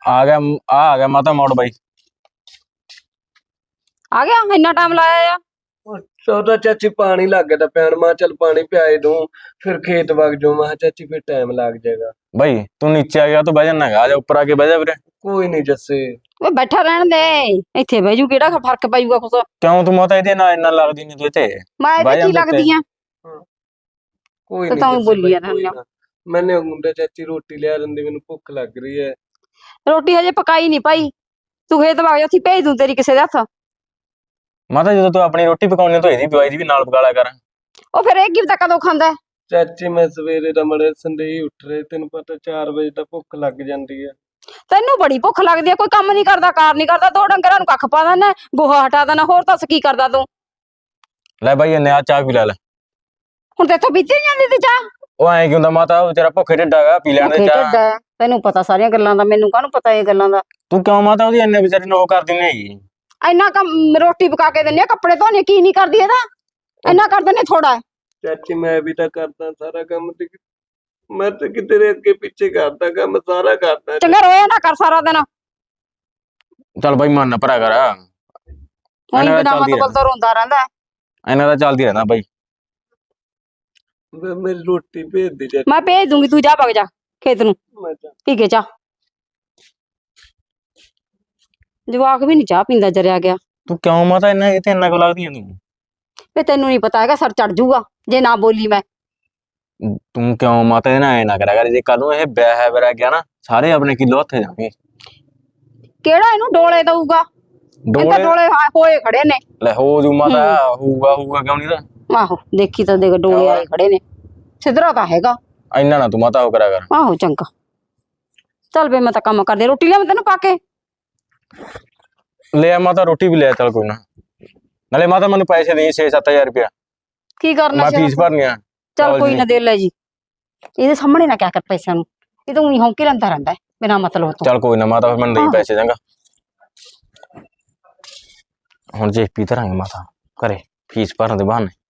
आ गया माता मोड़ बाई। आ गया इन्ना टाइम लाया या सौदा चाची पानी लग गया था पैन मैं चल पानी पियाई दूं फिर खेत वग जाऊं मैं चाची फिर टाइम लग जाएगा। भाई तू नीचे आ गया तो बह जाना आ जा ऊपर आके बह जा वीरे। कोई नहीं जस्से ਓਏ ਬੈਠਾ ਰਹਿਣ ਦੇ ਇੱਥੇ ਬਹਿ ਜੂ ਕਿਹੜਾ ਫਰਕ ਪੈ ਜੂਗਾ ਕੁਛ क्यों तू माता ਇਹਦੇ ਨਾਲ ਇੰਨਾ ਲੱਗਦੀ ਨਹੀਂ ਤੂੰ ਇੱਥੇ ਮੈਂ ਇਹਦੇ ਕੀ ਲੱਗਦੀ ਆ कोई तो नहीं ताऊ जस्से बोली भाई, है कोई ना। ना। मैंने मुंडे चाची रोटी लिया रंदी मैनू भुख लग रही है। ਰੋਟੀ ਹਜੇ ਪਕਾਈ ਨਹੀਂ ਭਾਈ ਤੂੰ ਖੇਤ ਵਗ ਜਾ ਅਸੀਂ ਭੇਜ ਦੂੰ ਤੇਰੀ ਕਿਸੇ ਦੇ ਹੱਥ ਮਾਤਾ ਜਦੋਂ ਤੂੰ ਆਪਣੀ ਰੋਟੀ ਪਕਾਉਣੀ ਤਾਂ ਇਹਦੀ ਪਕਾਈ ਦੀ ਵੀ ਨਾਲ ਪਕਾ ਲਿਆ ਕਰ। ਉਹ ਫਿਰ ਇਹ ਕੀ ਪਤਾ ਕਦੋਂ ਖਾਂਦਾ ਹੈ? ਚਾਚੀ मैं सवेरे दा मड़े संदेही उठ रहे तेन पता 4 बजे तक भुख लग जाती है। ਤੈਨੂੰ ਬੜੀ ਭੁੱਖ ਲੱਗਦੀ ਆ ਕੋਈ ਕੰਮ ਨਹੀਂ ਕਰਦਾ ਕਾਰ ਨਹੀਂ ਕਰਦਾ ਦੋ ਡੰਗਰਾਂ ਨੂੰ ਕੱਖ ਪਾ ਦਿੰਦਾ ਗੋਹਾ ਹਟਾ ਦਿੰਦਾ ਹੋਰ ਦੱਸ ਕੀ ਕਰਦਾ ਤੂੰ ਲੈ ਬਾਈ ਇਹਨੇ ਆ ਚਾਹ ਪੀ ਲੈ ਹੁਣ ਤੇਥੋਂ ਪੀਤੀ ਨੀ ਜਾਂਦੀ ਤੇ ਚਾਹ ਉਹ ਐਂ ਕੀ ਹੁੰਦਾ ਮਾਤਾ ਉਹ ਤੇਰਾ ਭੁੱਖੇ ਢਿੱਡ ਹੈਗਾ ਪੀ ਲੈਣ ਦੇ ਭੁੱਖੇ ਚਾਹ। ਢਿੱਡ ਹੈ, ਤੈਨੂੰ ਪਤਾ ਸਾਰੀਆਂ ਗੱਲਾਂ ਦਾ ਮੈਨੂੰ ਕਾਹਨੂੰ ਪਤਾ ਇਹ ਗੱਲਾਂ ਦਾ ਤੂੰ ਕਿਉਂ ਮਾਤਾ ਉਹਦੀ ਇੰਨੇ ਵਿਚਾਰੀ ਨੂੰ ਉਹ ਕਰਦੀ ਨਹੀਂ ਹੈਗੀ। ਇੰਨਾ ਕੰਮ ਰੋਟੀ ਪਕਾ ਕੇ ਦਿੰਨੇ ਆ ਕੱਪੜੇ ਧੋਣੇ ਕੀ ਨਹੀਂ ਕਰਦੀ ਇਹਦਾ ਇੰਨਾ ਕਰ ਦਿੰਨੇ ਥੋੜਾ चाची मैं भी तो करता सारा काम मैं तो कि तेरे अगे पीछे करता काम सारा करता। ਚੰਗਾ ਰੋਇਆ ਨਾ ਕਰ ਸਾਰਾ ਦਿਨ ਚੱਲ ਬਾਈ ਮਨ ਨਾ ਭਰਾ ਕਰ ਹੁਣ ਇਹਨਾਂ ਦਾ ਬਿਨਾਂ ਚੱਲਦੀ ਮਤਲਬ ਤੋਂ ਰੋਂਦਾ ਰਹਿੰਦਾ ਹੈ। ਇਹਨਾਂ ਦਾ ਚੱਲਦੀ ਰਹਿਣਾ ਬਾਈ। मेरी रोटी भेज दी चाची। ਮੈਂ ਭੇਜ ਦੂੰਗੀ ਤੂੰ ਜਾ ਵਗ ਜਾ ਖੇਤ ਨੂੰ मैं जा- ਠੀਕ ਹੈ ਚਾਹ ਜਵਾਕ ਵੀ ਨਹੀਂ ਚਾਹ ਪੀਂਦਾ ਜਰਿਆ ਗਿਆ ਤੂੰ ਕਿਉਂ ਮਾਤਾ ਇੰਨਾ ਇਹ ਤੇ ਇੰਨਾ ਕੁ ਲੱਗਦੀ ਹੈ ਤੂੰ। ਵੇ ਤੈਨੂੰ ਨਹੀਂ ਪਤਾ ਹੈਗਾ ਸਰ ਚੜ ਜੂਗਾ ਜੇ ਨਾ ਬੋਲੀ ਮੈਂ ਤੂੰ ਕਿਉਂ ਮਾਤਾ ਇਹ ਨਾ ਐ ਨਾ ਕਰਿਆ ਕਰ ਜੇ ਕੱਲ ਨੂੰ ਇਹ ਵਿਆਹ ਹੈ ਵਰਾ ਗਿਆ ਨਾ ਸਾਰੇ ਆਪਣੇ ਕਿਲੋ ਹੱਥੇ ਜਾਣਗੇ। ਕਿਹੜਾ ਇਹਨੂੰ ਡੋਲੇ ਦਊਗਾ ਇਹ ਤਾਂ ਡੋਲੇ ਡੋਲੇ ਹੋਏ ਖੜੇ ਨੇ ਲੈ ਹੋ ਜੂ ਮਾਤਾ ਹੋਊਗਾ ਕਿਉਂ ਨਹੀਂ ਤਾਂ ਆਹੋ ਦੇਖੀ ਤਾਂ ਦੇਖ ਡੋਲੇ ਆਏ ਖੜੇ ਨੇ ਸਿੱਧਰਾ ਤਾਂ ਹੈਗਾ ਇੰਨਾ ਨਾ ਤੂੰ ਮਾਤਾ ਹੋ ਕਰਿਆ ਕਰ। ਆਹੋ ਚੰਗਾ ਚੱਲ ਵੇ ਮੈਂ ਤਾਂ ਕੰਮ ਕਰਦੇ ਰੋਟੀ ਲਿਆ ਮੈਂ ਤੈਨੂੰ ਪਾ ਕੇ ਲੈ ਆ ਮਾਤਾ ਰੋਟੀ ਵੀ ਲੈ ਆ, ਚੱਲ ਕੋਈ ਨਾ ਨਾਲੇ ਮਾਤਾ ਮੈਨੂੰ ਪੈਸੇ ਦੇ 6-7 ਹਜ਼ਾਰ ਰੁਪਇਆ ਕੀ ਕਰਨਾ ਮੈਂ ਸੀ ਫੀਸ ਭਰਨੀ ਆ। ਚੱਲ ਕੋਈ ਨਾ ਦੇ ਲੈ ਜੀ ਇਹਦੇ ਸਾਹਮਣੇ ਨਾ ਕਿਆ ਕਰ ਪੈਸਿਆਂ ਨੂੰ ਇਹ ਤਾਂ ਉਹੀ ਹੌਂਕੇ ਲੈਂਦਾ ਰਹਿੰਦਾ ਹੈ ਬਿਨਾਂ ਮਤਲਬ ਤੋਂ ਚੱਲ ਕੋਈ ਨਾ ਮਾਤਾ ਫਿਰ ਮੈਨੂੰ ਦੇਈ ਆਹੋ। ਪੈਸੇ ਚੰਗਾ। ਹੁਣ ਜੇਪੀ ਧਰਾਂਗੇ ਮਾਤਾ ਘਰੇ ਫੀਸ ਭਰਨ ਦੇ ਬਹਾਨੇ।